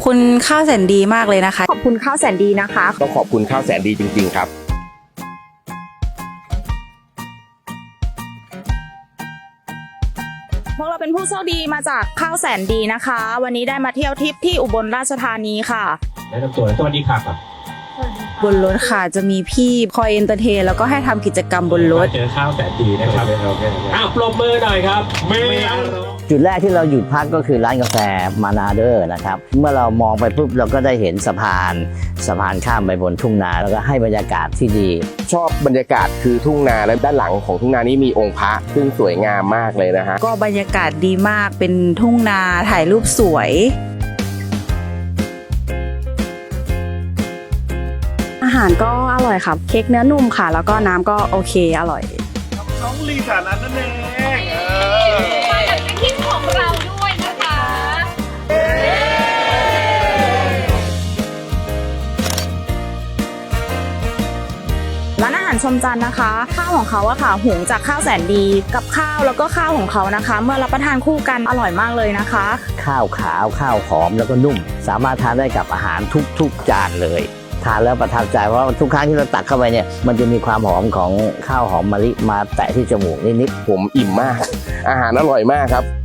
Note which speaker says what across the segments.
Speaker 1: คุณข้าวแสนดีมากเลยนะคะ
Speaker 2: ขอบคุณข้าวแสนดีนะคะ
Speaker 3: ต้องขอบคุณข้าวแสนดีจริงๆครับ
Speaker 2: พวกเราเป็นผู้โชคดีมาจากข้าวแสนดีนะคะวันนี้ได้มาเที่ยวทริปที่อุบลราชธานีค่ะ
Speaker 4: แนะนำตัวสวัสดีครับ
Speaker 1: บนรถค่ะจะมีพี่คอยเอนเตอร์เทนแล้วก็ให้ทำกิจกรรมบนรถ
Speaker 4: เจอข้าวแสนดีนะครับอ้าวปรบมือหน่อยครับไม่
Speaker 5: จุดแรกที่เราหยุดพักก็คือร้านกาแฟมานาเดอร์นะครับเมื่อเรามองไปปุ๊บเราก็ได้เห็นสะพานข้ามไปบนทุ่งนาแล้วก็ให้บรรยากาศที่ดี
Speaker 3: ชอบบรรยากาศคือทุ่งนาและด้านหลังของทุ่งนานี้มีองค์พระซึ่งสวยงามมากเลยนะฮะ
Speaker 1: ก็บรรยากาศดีมากเป็นทุ่งนาถ่ายรูปสวย
Speaker 2: อาหารก็อร่อยค่ะเค้กเนื้อนุ่มค่ะแล้วก็น้ำก็โอเคอร่อย
Speaker 6: น้องลีฐานันนั่นเอง
Speaker 7: มาจากในคลิปของเราด้วยนะคะ
Speaker 2: ร้านอาหารชมจันทร์นะคะข้าวของเขาอะค่ะหุงจากข้าวแสนดีกับข้าวแล้วก็ข้าวของเขานะคะเมื่อรับประทานคู่กันอร่อยมากเลยนะคะ
Speaker 5: ข้าวขาวข้าวหอมแล้วก็นุ่มสามารถทานได้กับอาหารทุกจานเลยทานแล้วประทับใจเพราะทุกครั้งที่เราตักเข้าไปเนี่ยมันจะมีความหอมของข้าวหอมมะลิมาแตะที่จมูกนิด
Speaker 3: ๆผมอิ่มมากอาหารอร่อยมากครับ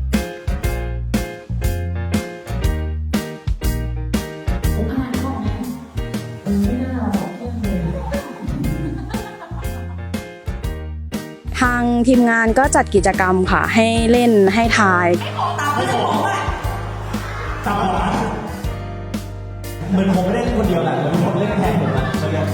Speaker 2: ทางทีมงานก็จัดกิจกรรมค่ะให้เล่นให้ทาย
Speaker 6: เหมือนผมไม่ได้คนเดียวแหละเหมือนผมเล่นแทนผมนะ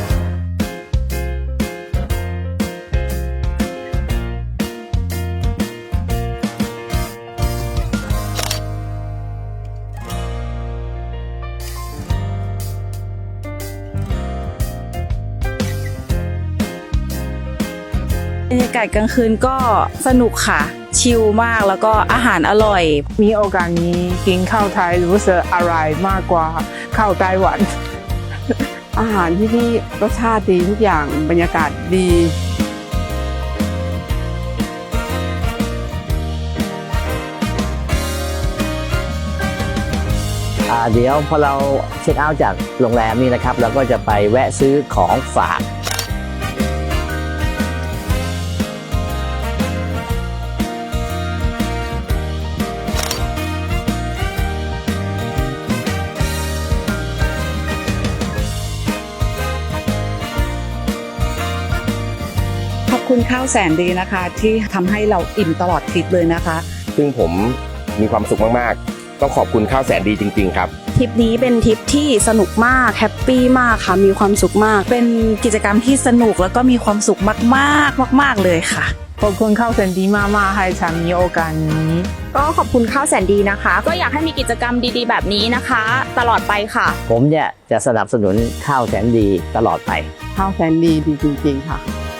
Speaker 1: บรรยากาศกลางคืนก็สนุกค่ะชิลมากแล้วก็อาหารอร่อย
Speaker 8: มีโอกาสนี้กินข้าวไทยรู้สึกอร่อยมากกว่าข้าวไต้หวัน อาหารที่นี่รสชาติดีทุกอย่างบรรยากาศดี
Speaker 5: เดี๋ยวพอเราเช็คเอาท์จากโรงแรมนี่นะครับเราก็จะไปแวะซื้อของฝาก
Speaker 1: ขอบคุณข้าวแสนดีนะคะที่ทำให้เราอิ่มตลอดทริปเลยนะคะ
Speaker 3: ซึ่งผมมีความสุขมากๆต้องขอบคุณข้าวแสนดีจริงๆครับ
Speaker 2: ทริปนี้เป็นทริปที่สนุกมากแฮปปี้มากค่ะมีความสุขมาก
Speaker 1: เป็นกิจกรรมที่สนุกแล้วก็มีความสุขมากๆมากๆเลยค่ะ
Speaker 8: ขอบคุณข้าวแสนดีมากๆให้ฉันมีโอกาสนี้
Speaker 2: ก็ขอบคุณข้าวแสนดีนะคะก็อยากให้มีกิจกรรมดีๆแบบนี้นะคะตลอดไปค่ะ
Speaker 5: ผมเนี่ยจะสนับสนุนข้าวแสนดีตลอดไป
Speaker 8: ข้าวแสนดีดีจริงๆค่ะ